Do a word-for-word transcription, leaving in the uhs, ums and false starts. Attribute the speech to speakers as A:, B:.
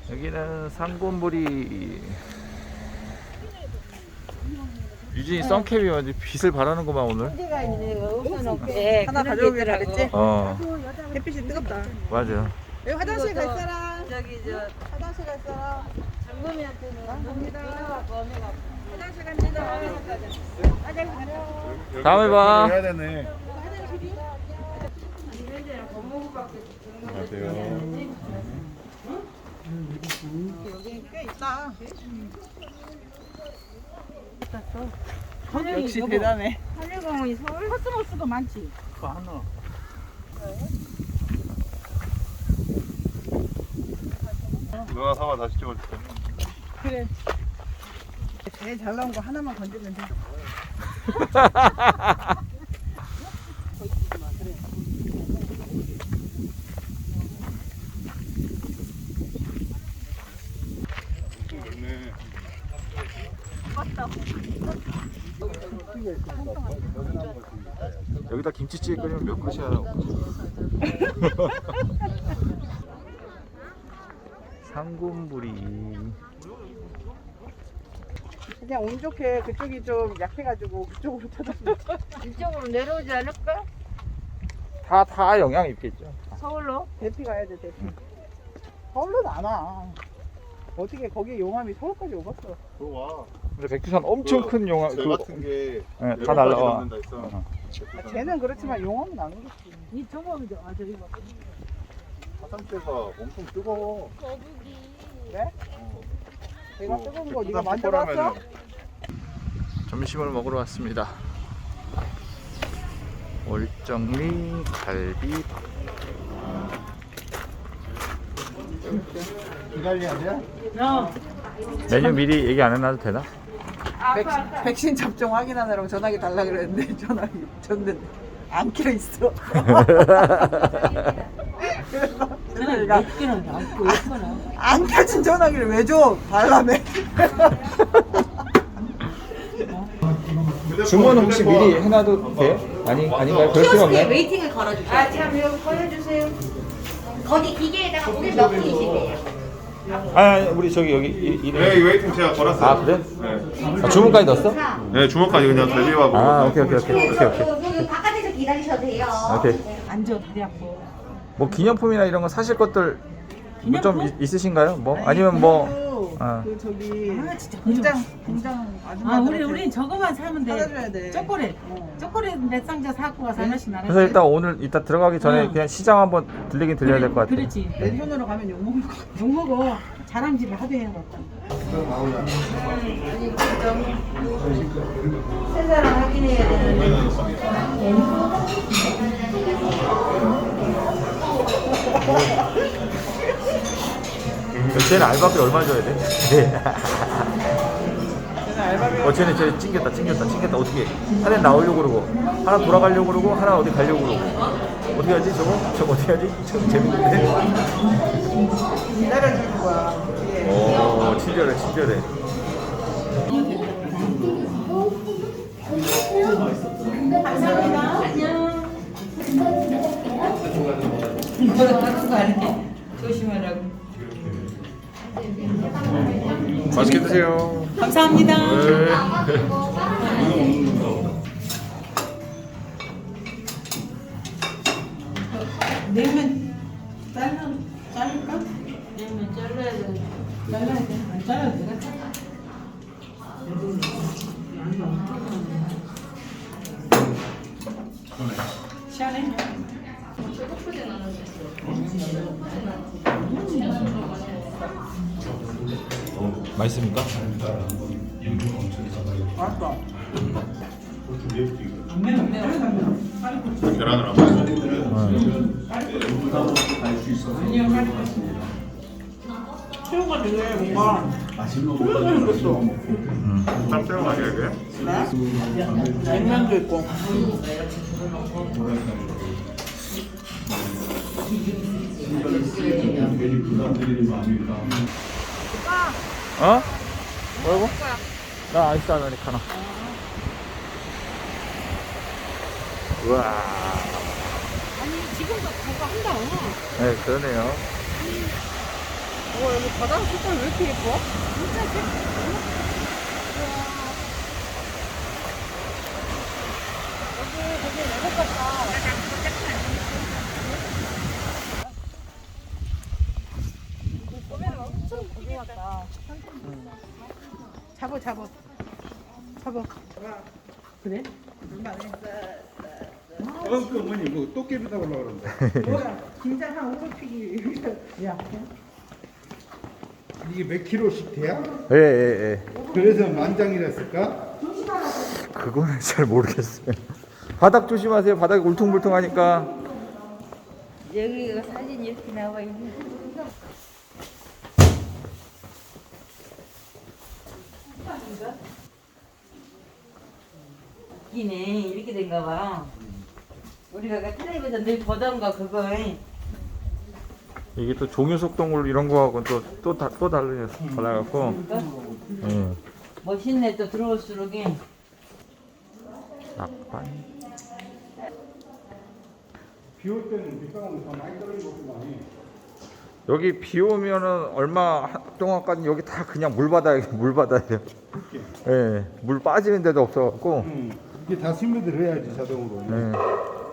A: 여기는 상곤부리. 유진이 선캡이 완전 빛을 발하는구만 오늘.
B: 소리가 있네. 없어놓게
C: 하나 가져오기로 그랬지?
A: 어
C: 햇빛이 뜨겁다.
A: 맞아.
C: 여기 화장실 갈 사람?
B: 저기 저
C: 화장실 갈 사람?
B: 장범이한테는
C: 갑니다.
B: 범해가
C: 화장실 갑니다. 화장실 가요.
A: 다음에 봐.
D: 해야 되네.
C: 화장실이?
D: 안녕하세요.
C: 여기 꽤 있다.
B: 하늘이
C: 역시
B: 여보,
C: 대단해.
B: 하늘공원이 서울 코스모스도 많지.
D: 누나 사와 다시 찍어줄게.
C: 그래. 제일 잘 나온 거 하나만 건지면 돼.
A: 여기다 김치찌개 끓이면 몇 그릇이야. 상곤부리.
C: 그냥 운 좋게 그쪽이 좀 약해가지고 그쪽으로 찾았어.
B: 이쪽으로 내려오지 않을까?
A: 다 다 영향 있겠죠.
B: 서울로?
C: 대피 가야 돼, 대피. 서울로는 안 와. 어떻게 거기 용암이 서울까지 오겠어.
D: 그거 와.
A: 근데 백두산 엄청
D: 그
A: 큰 영향.
D: 쟤
A: 그거
D: 같은 게
A: 네, 다 날라와.
D: 남는다 했어.
A: 어.
C: 아, 쟤는 그렇지만 용암은 안 오겠지.
B: 이 저거도 아 저기 봐.
D: 화산재가 엄청 뜨거워.
C: 그래? 내가
D: 어,
C: 뜨거운 거
D: 백두산
C: 네가 만들어왔어?
D: 폭발하면은
A: 점심을 먹으러 왔습니다. 월정리 갈비밥.
D: 기다려야 돼?
B: 어.
A: 메뉴 미리 얘기 안 해놔도 되나?
C: 백신, 백신 접종 확인하느라고 전화기 달라 그랬는데 전화기 줬는데 안 켜 있어. 그래서 내가
B: 끼는 안고 있거나.
C: 안 켜진 전화기를 왜 줘? 달라며.
A: 주문은 혹시 미리 해놔도 돼요? 아니 아닌가요? 그럴 필요 없나요?
E: 웨이팅을 걸어주세요.
B: 아 참 여기 걸어주세요.
E: 거기 기계에다가 오늘 몇 분이시대요?
A: 아 아니, 우리 저기 여기 이, 이,
D: 네, 이 웨이팅 제가 걸었어요.
A: 아 그래?
D: 네.
A: 아, 주문까지 넣었어?
D: 네, 주먹까지 그냥 갈비하고.
A: 아 오케이 오케이 오케이
E: 네,
A: 오케이
E: 그,
A: 오케이
E: 그, 그 바깥에서 기다리셔도 돼요.
A: 오케이.
B: 앉아 다리 아파.
A: 뭐 기념품이나 이런 거 사실 것들 뭐 좀
B: 기념품?
A: 있으신가요? 뭐 아니면 뭐 어.
C: 그 저기
B: 아 진짜
C: 공장 공장 아줌마
B: 아 우리 우리 저거만 사면 돼.
C: 사줘야 돼.
B: 초콜릿.
C: 어.
B: 초콜릿 몇 상자 사고 와서 하나씩 나눠.
A: 그래서 일단 오늘 이따 들어가기 전에
B: 응.
A: 그냥 시장 한번 들리긴 들려야 될 것 같아.
B: 그렇지.
C: 왼손으로 가면 욕 먹을 거.
B: 욕 먹어. 자랑질을 하도 해봤다.
E: 세 사람 확인해야 되는데.
A: 쟤는 알바비 얼마 줘야 돼? 네.
C: 쟤는 알바비.
A: 어 쟤는 쟤 찡겼다 찡겼다 찡겼다 어떻게 하나 나오려고 그러고 하나 돌아가려고 그러고 하나 어디 가려고 그러고 어떻게 하지 저거? 저거 어떻게 하지? 저거 재밌는데?
C: 기다려주는 거야. 예.
A: 오 친절해 친절해.
B: 조심하라고.
A: 맛있게 드세요.
B: 감사합니다.
A: 네.
B: 냉면 잘라 자를까? 냉면 잘라야 돼. 잘라야 돼. 안 잘라도 되겠다. 시원해.
A: 맛있습니까?
C: 맞다.
D: 계란을 안 먹어.
C: 새우가 되게 뭔가 소리가 생겼어.
D: 짭짤한 맛이야 이게?
C: 네? 냉면도 있고.
A: 어? 뭐라고? 나 아이스 아메리카노. 우와.
B: 아니 지금도 그거 한다.
A: 네, 그러네요.
C: 와 여기 바다 색깔 왜 이렇게 예뻐? 진짜 예뻐. 여기 되게 외국 같다. 잡어 잡어 잡어. 그래?
F: 어, 그 어머니 뭐 도깨비 잡으려고 그러는데.
C: 뭐야? 긴장 한 오백 피기. 야.
F: 이게 몇 킬로씩 돼야?
A: 예, 예, 예.
F: 그래서 만장이랬을까?
A: 그거는 잘 모르겠어요. 바닥 조심하세요. 바닥이 울퉁불퉁하니까.
E: 여기가 사진 이렇게 나와 있는. 웃기네. 이렇게 된가 봐. 우리가 그 텔레비전 늘 보던 거 그거.
A: 이게 또 종유속동물 이런 거하고 또또 또 달라요. 달라갖고. 예.
E: 멋있네. 또 들어올수록이.
A: 낙반.
F: 비 올 때는 빗방울 더 많이 떨어지고 많이.
A: 여기 비 오면은 얼마 동안까지 여기 다 그냥 물바다예요. 물바다예요. 예. 물 빠지는 데도 없어갖고.
F: 응. 이게 다 스며들어야지 자동으로.
A: 예.